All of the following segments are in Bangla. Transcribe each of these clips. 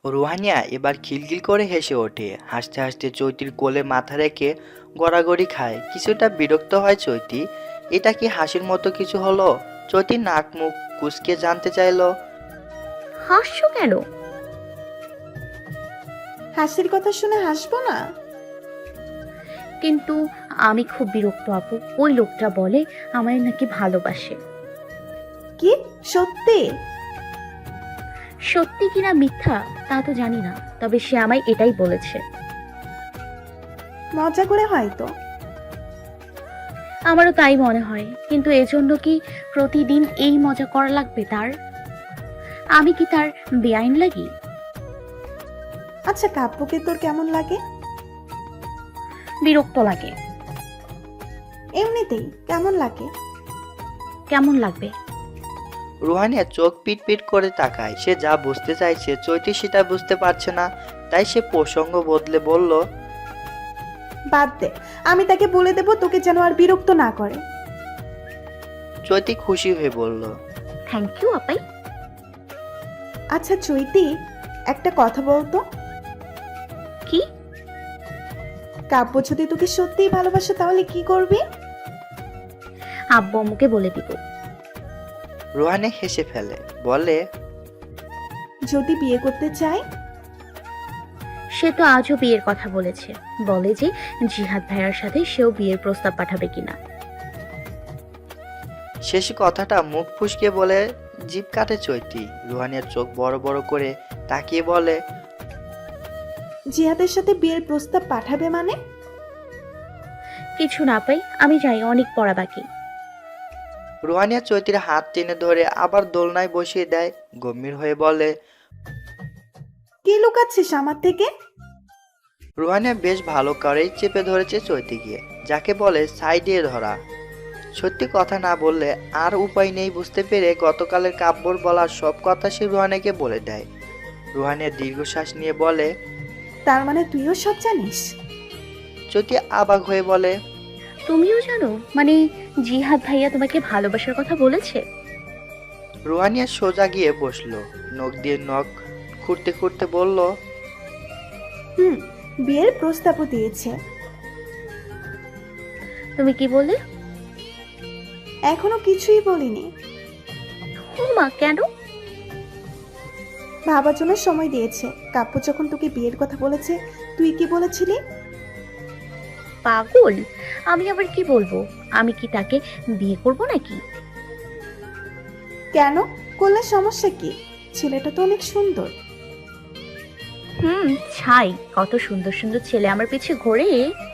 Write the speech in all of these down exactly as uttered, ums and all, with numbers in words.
রুহানিয়া এবার খিলখিল করে হেসে ওঠে, হাসতে হাসতে চৈতির কোলে মাথা রেখে গড়াগড়ি খায়। কিছুটা বিরক্ত হয় চৈতি। এটা কি হাসির মতো কিছু হলো? চৈতি নাক মুখ কুঁচকে জানতে চাইলো। হাসছো কেন? হাসির কথা শুনে হাসবো না? কিন্তু আমি খুব বিরক্ত আপু। ওই লোকটা বলে আমায় নাকি ভালোবাসে। কি? সত্যি? সত্যি কিনা মিথ্যা তা তো জানি না, তবে সে আমায় এটাই বলেছে। মজা করে হয়তো। আমারও তাই মনে হয়, কিন্তু এজন্য কি প্রতিদিন এই মজা করা লাগবে তার? আমি কি তার বেআইন লাগি? আচ্ছা, কাব্যকে তোর কেমন লাগে? বিরক্ত লাগে। এমনিতেই কেমন লাগে? কেমন লাগবে? রুহানিয়া চোখ পিট পিট করে তাকায়। সে যা বুঝতে চাইছে চৈতি সেটা বুঝতে পারছে না, তাই সে প্রসঙ্গ বদলে বলল, বাদ দে, আমি তাকে বলে দেব তোকে যেন আর বিরক্ত না করে। চৈতি খুশি হয়ে বলল, থ্যাংক ইউ আপাই। আচ্ছা চৈতি, একটা কথা বলতো। কি? কাব্য যদি তোকে সত্যিই ভালোবাসে তাহলে কি করবি? আব্বু আম্মুকে বলে দিব। রুহানিয়া হেসে ফেলে, বলে, যদি বিয়ে করতে চাই? সে তো আজও বিয়ের কথা বলেছে, বলে যে জিহাদ ভাইয়ার সাথে সেও বিয়ের প্রস্তাব পাঠাবে কিনা। শেষ কথাটা মুখ ফুসকে বলে জিভ কাটে চৈতি। রুহানিয়ার চোখ বড় বড় করে তাকিয়ে বলে, জিহাদের সাথে বিয়ের প্রস্তাব পাঠাবে মানে? কিছু না পাই, আমি যাই, অনেক পড়া বাকি। রুহানিয়া চৈতির হাত টেনে ধরে আবার দোলনায় বসিয়ে দেয়। গম্ভীর হয়ে বলে, কি লুকাচ্ছিস আমার থেকে? রুহানিয়া বেশ ভালো করেই চেপে ধরেছে চৈতিকে, যাকে বলে ছাই দিয়ে ধরা। সত্যি কথা না বললে আর উপায় নেই বুঝতে পেরে গতকালের কাব্যর বলার সব কথা সে রুহানিয়াকে বলে দেয়। রুহানিয়া দীর্ঘশ্বাস নিয়ে বলে, তার মানে তুইও সব জানিস? চৈতি অবাক হয়ে বলে, তুমিও জানো? মানে জিহাদ ভাইয়া তোমাকে ভালোবাসার কথা বলেছে? রুহানিয়া সোজা গিয়ে বসলো, নখ দিয়ে নখ খুঁড়তে খুঁড়তে বলল, হুম, বিয়ের প্রস্তাবও দিয়েছে। তুমি কি বললে? এখনো কিছুই বলিনি। ও মা, কেন? ভাবার জন্য সময় দিয়েছে। কাব্য যখন তোকে বিয়ের কথা বলেছে তুই কি বলেছিলি? পাগল, আমি আবার কি বলবো? আমি কি তাকে বিয়ে করব নাকি? কেন? করলে সমস্যা কি? ছেলেটা তো অনেক সুন্দর। হুম, ছাই, কত সুন্দর সুন্দর ছেলে আমার পিছে ঘোরে।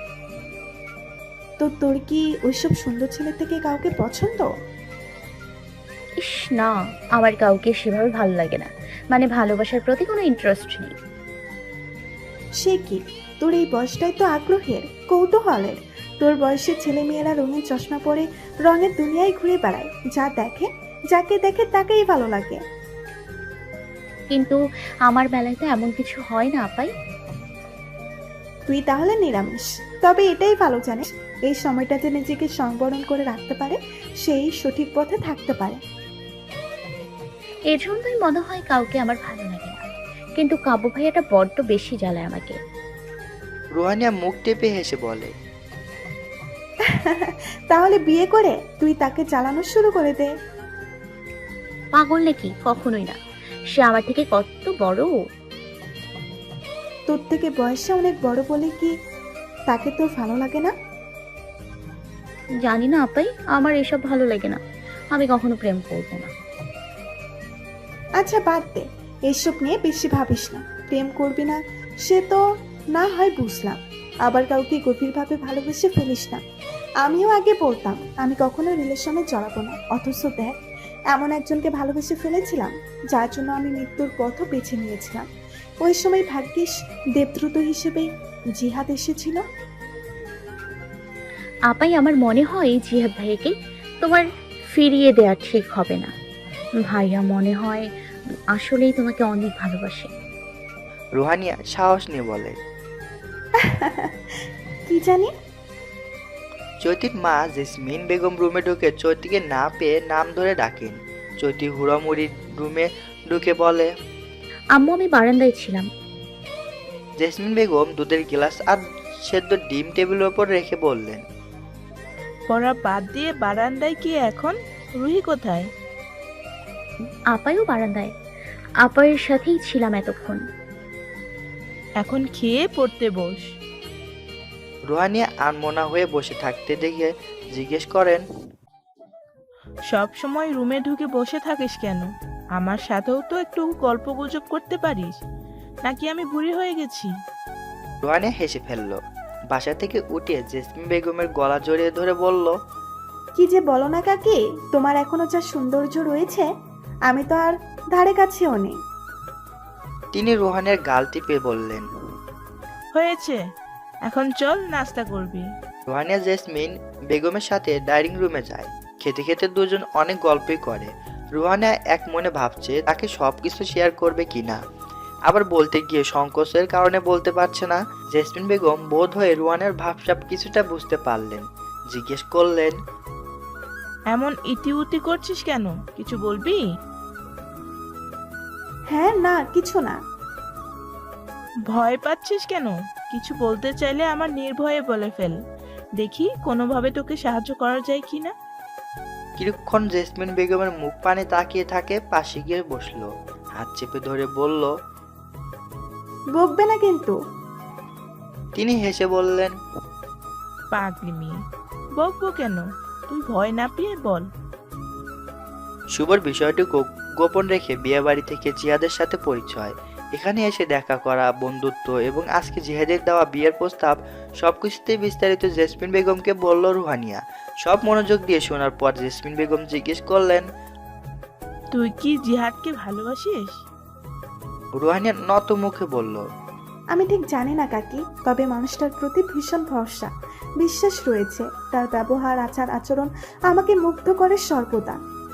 তো তোর কি ওইসব সুন্দর ছেলে থেকে কাউকে পছন্দ? ইস না, আমার কাউকে সেভাবে ভালো লাগে না, মানে ভালোবাসার প্রতি কোনো ইন্টারেস্ট নেই। সে কি? তোর এই বয়সটাই তো আগ্রহের, কৌতূহলের। তোর বয়সের ছেলে মেয়েরা রঙিন চশমা পরে রঙের দুনিয়ায় ঘুরে বেড়ায়। যা দেখে, যাকে দেখে তাকেই ভালো লাগে। কিন্তু আমার বেলায় তো এমন কিছু হয় না আপাই। তুই তাহলে নিরামিষ। তবে এটাই ভালো জানিস, এই সময়টাতে নিজেকে সংবরণ করে রাখতে পারে সেই সঠিক পথে থাকতে পারে। এজন্যই মনে হয় কাউকে আমার ভালো লাগে না, কিন্তু কাব্য ভাইয়াটা বড্ড বেশি জ্বালায় আমাকে। রুহানিয়া মুখ টেপে হেসে বলে, তাহলে বিয়ে করে তুই তাকে চালানো শুরু করে দে। পাগল নাকি? কখনোই না, সে আমার থেকে কত বড়। তোর থেকে বয়সে অনেক বড় বলে কি তাকে তোর ভালো লাগে না? জানি না আপাই, আমার এসব ভালো লাগে না, আমি কখনো প্রেম করবো না। আচ্ছা বাদ দে, এসব নিয়ে বেশি ভাবিস না। প্রেম করবি না সে তো না হয় বুঝলাম, আবার কাউকে গভীরভাবে ভালোবেসে ফেলিস না। আমিও আগে বলতাম আমি কখনো রিলেশনে জড়াবো না, অথচ দেখ এমন একজনকে ভালোবেসে ফেলেছিলাম যার জন্য আমি মৃত্যুর পথও বেছে নিয়েছিলাম। ওই সময় ভাগ্যিস দেবদ্রুত হিসেবেই জিহাদ এসেছিল। আপাই, আমার মনে হয় জিহাদ ভাইয়াকে তোমার ফিরিয়ে দেওয়া ঠিক হবে না। ভাইয়া মনে হয় আসলেই তোমাকে অনেক ভালোবাসে। রুহানিয়া সাহস নিয়ে বলে, কি জানি। চৈতির মা জেসমিন বেগম রুমে ঢুকে চৈতিকে না পেয়ে নাম ধরে ডাকেন। চৈতি হুড়ামুড়ি রুমে ঢুকে বলে, আম্মু আমি বারান্দায় ছিলাম। জেসমিন বেগম দুধের গ্লাস আর সেদ্ধ ডিম টেবিলের ওপর রেখে বললেন, পড়া বাদ দিয়ে বারান্দায় কি এখন? রুহি কোথায়? আপাইও বারান্দায়, আপাইয়ের সাথেই ছিলাম এতক্ষণ। এখন খেয়ে পড়তে বস। রুহানিয়া আনমনা হয়ে বসে থাকতে দেখে জিজ্ঞেস করেন, সব সময় রুমে ঢুকে বসে থাকিস কেন? আমার সাথেও তো একটু গল্প গুজব করতে পারিস, নাকি আমি বুড়ি হয়ে গেছি? রুহানিয়া হেসে ফেলল। বাসা থেকে উঠে জেসমিন বেগমের গলা জড়িয়ে ধরে বলল, কি যে বলো না কাকি, তোমার এখনো যা সৌন্দর্য রয়েছে আমি তো আর ধারে কাছেও নেই। তিনি রুহানের গাল টিপে বললেন, হয়েছে, এখন চল নাস্তা করবি। রুহানিয়া জেসমিন বেগমের সাথে ডাইনিং রুমে যায়। খেতে খেতে দুজন অনেক গল্পই করে। রুহানিয়া এক মনে ভাবছে তাকে সবকিছু শেয়ার করবে কিনা, আবার বলতে গিয়ে সংকোচের কারণে বলতে পারছে না। জেসমিন বেগম বোধ হয়ে রুহানের ভাবসাব কিছুটা বুঝতে পারলেন। জিজ্ঞেস করলেন, এমন ইতিউতি করছিস কেন? কিছু বলবি? হ্যাঁ, না কিছু না। ভয় পাচ্ছিস কেন? কিছু বলতে চাইলে আমার নির্ভয়ে বলে ফেল, দেখি কোনোভাবে তোকে সাহায্য করা যায় কিনা। কিছুক্ষণ জেসমিন বেগমের মুখ পানে তাকিয়ে থাকে, পাশে গিয়ে বসলো, হাত চেপে ধরে বলল, বকবে না কিন্তু। তিনি হেসে বললেন, পাগলি মেয়ে, বকবো কেন? তুই ভয় না পেয়ে বল। শুভর বিষয়টি গো- গোপন রেখে বিয়ে বাড়ি থেকে জিহাদের সাথে পরিচয়, এখানে এসে দেখা করা, বন্ধুত্ব এবং আজকে জিহাদের দেওয়া বিয়ের প্রস্তাব সবকিছুতেই বিস্তারিত জেসমিন বেগমকে বলল রুহানিয়া। সব মনোযোগ দিয়ে শোনার পর জেসমিন বেগম জিজ্ঞেস করলেন, তুই কি জিহাদকে ভালোবাসিস? রুহানিয়া নত মুখে বলল, আমি ঠিক জানি না কাকি, তবে মানুষটার প্রতি ভীষণ ভরসা, বিশ্বাস রয়েছে। তার ব্যবহার, আচার আচরণ আমাকে মুগ্ধ করে সর্বদা।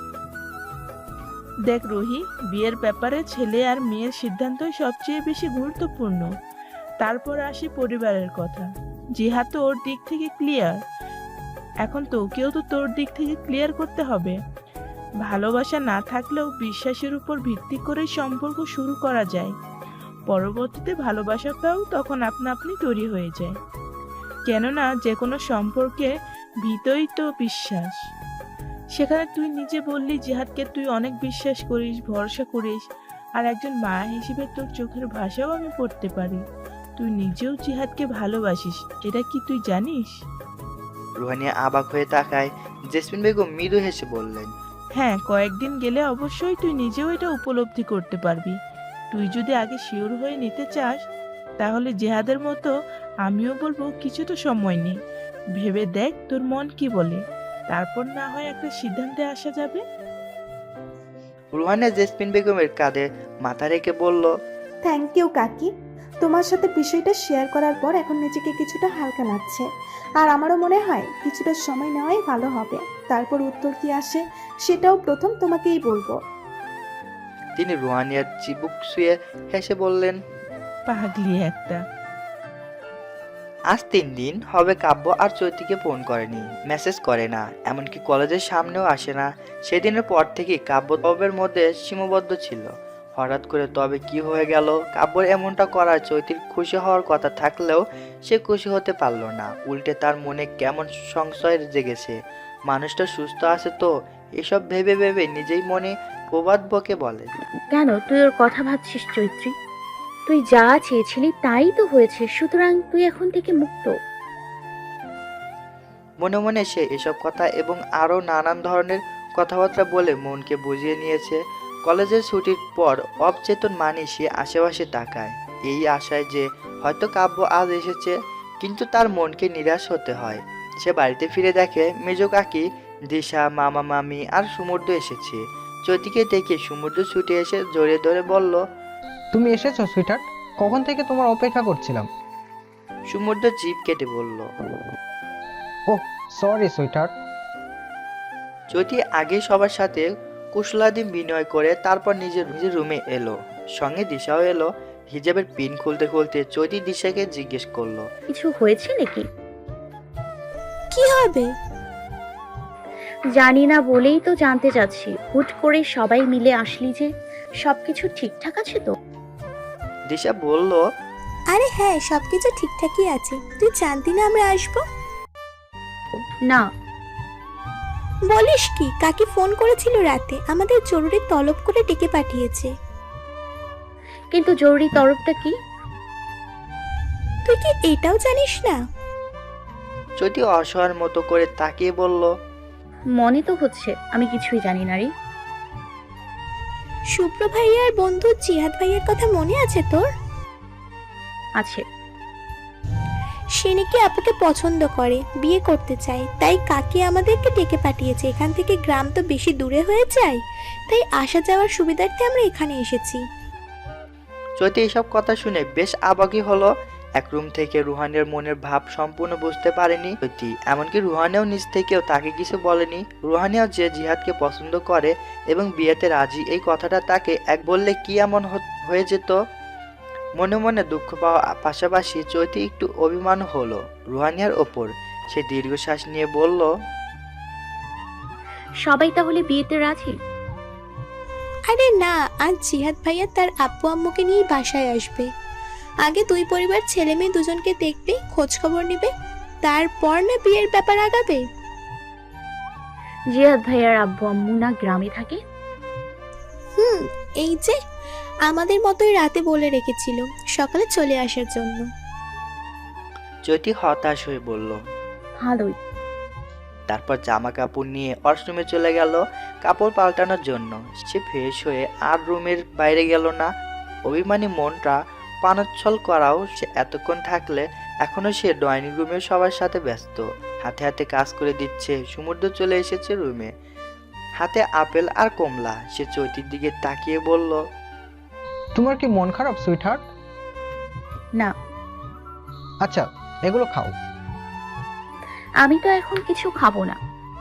দেখ রুহি, বিয়ের ব্যাপারে ছেলে আর মেয়ের সিদ্ধান্তই সবচেয়ে বেশি গুরুত্বপূর্ণ। তারপর আসে পরিবারের কথা। জিহাদ তো ওর দিক থেকে ক্লিয়ার, এখন তোকেও তো তোর দিক থেকে ক্লিয়ার করতে হবে। ভালোবাসা না থাকলেও বিশ্বাসের উপর ভিত্তি করেই সম্পর্ক শুরু করা যায়। পরবর্তীতে ভালোবাসাটাও তখন আপনা আপনি তৈরি হয়ে যায়, কেননা যে কোনো সম্পর্কে ভিতই তো বিশ্বাস। সেখানে তুই নিজে বললি জিহাদকে তুই অনেক বিশ্বাস করিস, ভরসা করিস, আর একজন মা হিসেবে তোর চোখের ভাষাও আমি পড়তে পারি। তুই নিজেও জিহাদকে ভালোবাসিস, এটা কি তুই জানিস? রুহানিয়া অবাক হয়ে তাকায়। জেসমিন বেগম মৃদু হেসে বললেন, হ্যাঁ, কয়েকদিন গেলে অবশ্যই তুই নিজেও এটা উপলব্ধি করতে পারবি। তুই যদি আগে শিওর হয়ে নিতে চাস, তাহলে জিহাদের মতো আমিও বলবো কিছু তো সময় নেই, ভেবে দেখ তোর মন কি বলে, তারপর না হয় একটা সিদ্ধান্তে আসা যাবে। রুহানিয়া জেসমিন বেগমের কাঁধে মাথা রেখে বলল, থ্যাংক ইউ কাকি, তোমার সাথে বিষয়টা শেয়ার করার পর এখন নিজেকে কিছুটা হালকা লাগছে। আর আমারও মনে হয় কিছুটা সময় নেওয়াই ভালো হবে। তারপর উত্তর কি আসে সেটাও প্রথম তোমাকেই বলবো। তিনি রুহানিয়ার চিবুক শুয়ে হেসে বললেন, পাগলি একটা। আজ তিন দিন হবে কাব্য আর চৈতিকে ফোন করেনি, মেসেজ করে না, এমনকি কলেজের সামনেও আসে না। সেদিনের পর থেকে কাব্য তবের মধ্যে সীমাবদ্ধ ছিল। হঠাৎ করে তবে কি হয়ে গেল? কাব্যর এমনটা করার চৈতির খুশি হওয়ার কথা থাকলেও সে খুশি হতে পারল না। উল্টে তার মনে কেমন সংশয় জেগেছে। মানুষটা সুস্থ আছে তো? এসব ভেবে ভেবে নিজেই মনে প্রবাদ বকে বলে, কেন তুই ওর কথা ভাবছিস চৈত্রী? তুই যা চেয়েছিলি তাই তো হয়েছে, সুতরাং তুই এখন থেকে মুক্ত। মনে মনে সে এসব কথা এবং আরও নানান ধরনের কথাবার্তা বলে মনকে বুঝিয়ে নিয়েছে। কলেজের ছুটির পর অবচেতন মানে সে আশেপাশে তাকায়, এই আশায় যে হয়তো কাব্য আজ এসেছে, কিন্তু তার মনকে নিরাশ হতে হয়। সে বাড়িতে ফিরে দেখে মেজ কাকি, দিশা, মামা মামি আর সমুদ্র এসেছে। চৈতিকে দেখে সমুদ্র ছুটে এসে জড়িয়ে ধরে বলল, তুমি এসেছো সুইটার, কখন থেকে তোমার অপেক্ষা করছিলাম। সমুদ্র জিভ কেটে বলল, ওহ সরি সুইটার। চৈতি আগে সবার সাথে কুশলাদি বিনয় করে তারপর নিজের নিজের রুমে এলো, সঙ্গে দিশাও এলো। হিজাবের পিন খুলতে খুলতে চৈতি দিশাকে জিজ্ঞেস করলো, কিছু হয়েছে নাকি? কি হবে? জানি না বলেই তো জানতে চাচ্ছি। হুট করে সবাই মিলে আসলি যে, সবকিছু ঠিকঠাক আছে তো? দিশা বলল, আরে হ্যাঁ, সবকিছু ঠিকঠাকই আছে। তুই জানতি না আমরা আসবো? না, বলিস কি, কাকি ফোন করেছিল রাতে, আমাদের জরুরি তলব করে ডেকে পাঠিয়েছে। কিন্তু জরুরি তরফটা কি? তুই কি এটাও জানিস না? চৈতি অসহায়ের মতো করে তাকিয়ে বলল, মনে তো হচ্ছে আমি কিছুই জানি না রে। শুভ্র ভাইয়ার বন্ধু জিহাদ ভাইয়ার কথা মনে আছে তোর? আছে। সে নাকি আপুকে পছন্দ করে, বিয়ে করতে চায়, তাই কাকি আমাদেরকে ডেকে পাঠিয়েছে। এখান থেকে গ্রাম তো বেশি দূরে হয়ে যায়, তাই আসা যাওয়ার সুবিধার্থে আমরা এখানে এসেছি। চৈতি এসব কথা শুনে বেশ আবাকই হলো। এক রুম থেকে রুহানের মনের ভাব সম্পূর্ণ বুঝতে পারেনি চৈতি, এমনকি রুহানেও নিজ থেকেও তাকে কিছু বলেনি। রুহানিও যে জিহাদকে পছন্দ করে এবং বিয়েতে রাজি, এই কথাটা তাকে এক বললে কি এমন হ- হয়ে যেত। মনে মনে দুঃখ পাওয়া পাশাপাশি চৈতি একটু অভিমান হলো রুহানিয়ার ওপর। সে দীর্ঘশ্বাস নিয়ে বলল, সবাই তাহলে বিয়েতে রাজি? আরে না, আজ জিহাদ ভাইয়া তার আব্বু আম্মুকে নিয়ে বাসায় আসবে। আগে দুই পরিবার ছেলে মেয়ে দুজনকে দেখবে, খোঁজ খবর নিবে, তারপর না বিয়ের ব্যাপার আগাবে। জিয়াদ ভাইয়ার আব্বু আম্মু না গ্রামে থাকে? হুম, এই যে আমাদের মতোই রাতে বলে রেখেছিল সকালে চলে আসার জন্য। চৈতি হতাশ হয়ে বলল। ভালোই। তারপর জামা কাপড় নিয়ে ওয়াশরুমে চলে গেল কাপড় পাল্টানোর জন্য। সে ফ্রেশ হয়ে আর রুমের বাইরে গেল না। অভিমানী মনটা পানোচ্ছল করাও সে এতক্ষণ থাকলে এখনো সে ড্রয়িং রুমে সবার সাথে ব্যস্ত, হাতে হাতে কাজ করে দিচ্ছে। সমুদ্র চলে এসেছে রুমে, হাতে আপেল আর কমলা। সে চৈতির দিকে তাকিয়ে বলল, তোমার কি মন খারাপ সুইটহার্ট? না, আচ্ছা, এগুলো খাও। আমি তো এখন কিছু খাবো না।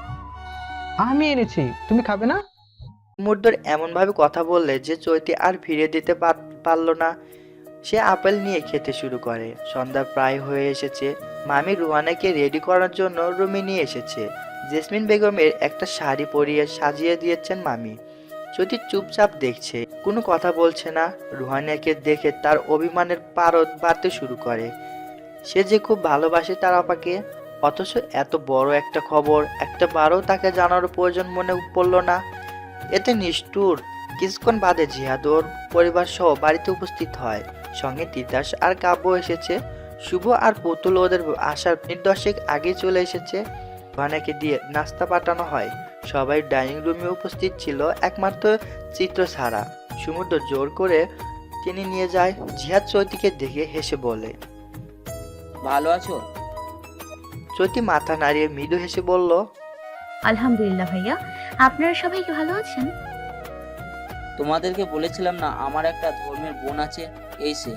আমি এনেছি, তুমি খাবে না? সমুদ্র এমনভাবে কথা বললে যে চৈতি আর ফিরে দিতে পার- পারল না। সে আপেল নিয়ে খেতে শুরু করে। সন্ধ্যা প্রায় হয়ে এসেছে। মামি রুহানাকে রেডি করার জন্য রুমে নিয়ে এসেছে। জেসমিন বেগমের একটা শাড়ি পরিয়ে সাজিয়ে দিয়েছেন মামি। চৈতি চুপচাপ দেখছে, কোনো কথা বলছে না। রুহানাকে দেখে তার অভিমানের পারদ বাড়তে শুরু করে। সে যে খুব ভালোবাসে তার আপাকে, অথচ এত বড় একটা খবর একটা বারও তাকে জানার প্রয়োজন মনে পড়ল না। এতে নিষ্ঠুর। কিছুক্ষণ বাদে জিহাদ ওর পরিবার সহ বাড়িতে উপস্থিত হয়। সঙ্গে তিতাস আর কাব্য এসেছে। শুভ আর পুতুল ওদের আসার মিনিট দশেক আগে চলে এসেছে। ভানাকে দিয়ে নাস্তা পাঠানো হয়। সবাই ডাইনিং রুমে উপস্থিত ছিল, একমাত্র চিত্র ছাড়া। সমুদ্র জোর করে টেনে নিয়ে যায়। জিহাদ চৈতিকে দেখে হেসে বলে, ভালো আছো? চৈতি মাথা নাড়িয়ে মৃদু হেসে বলল, আলহামদুলিল্লাহ ভাইয়া, আপনারা সবাই কি ভালো আছেন? তোমাদেরকে বলেছিলাম না আমার একটা ধর্মের বোন আছে, এই সে।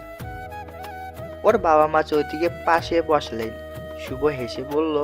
ওর বাবা মা চৈতিকে পাশে বসলেন। শুভ হেসে বলল,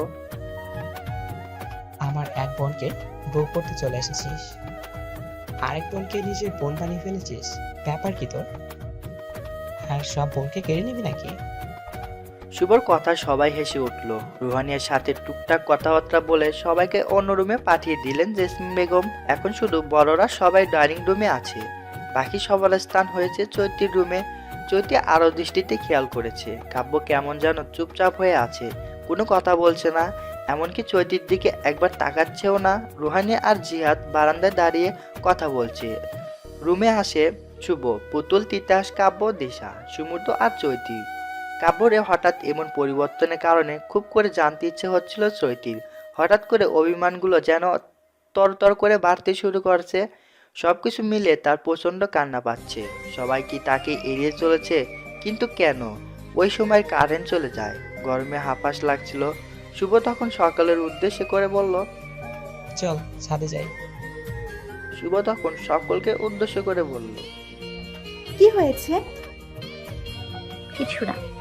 আমার এক বোনকে বউ করতে চলে এসেছিস, আরেক বোনকে নিজের বোন বানিয়ে ফেলেছিস, ব্যাপার কি তোর? আর সব বোনকে কেড়ে নিবি নাকি? শুভর কথা সবাই হেসে উঠল। রুহানিয়ার সাথে টুকটাক কথাবার্তা বলে সবাইকে অন্য রুমে পাঠিয়ে দিলেন জেসমিন বেগম। এখন শুধু বড়রা সবাই ডাইনিং রুমে আছে, বাকি সবার স্থান হয়েছে চৈতির রুমে। চৈতি আরো দৃষ্টিতে খেয়াল করেছে কাব্য কেমন যেন চুপচাপ হয়ে আছে, কোনো কথা বলছে না, এমনকি চৈতির দিকে একবার তাকাচ্ছেও না। রুহানি আর জিহাদ বারান্দায় দাঁড়িয়ে কথা বলছে। রুমে আসে শুভ, পুতুল, তিতাস, কাব্য, দিশা, সমুদ্র আর চৈতি। কাব্যরে হঠাৎ এমন পরিবর্তনের কারণে খুব করে জানতে ইচ্ছে হচ্ছিল চৈতির। হঠাৎ করে অভিমানগুলো যেন তরতর করে বাড়তে শুরু করছে। সবকিছু মিলে তার প্রচন্ড কান্না পাচ্ছে। সবাই কি তাকে এড়িয়ে চলেছে? কিন্তু কেন? ওই সময় কারেন্ট চলে যায়, গরমে হাঁপাস লাগছিল। শুভ তখন সকালের উদ্দেশ্যে করে বলল, চল ছাদে যাই। শুভ তখন সকলকে উদ্দেশ্য করে বলল, কি হয়েছে? কিছু না।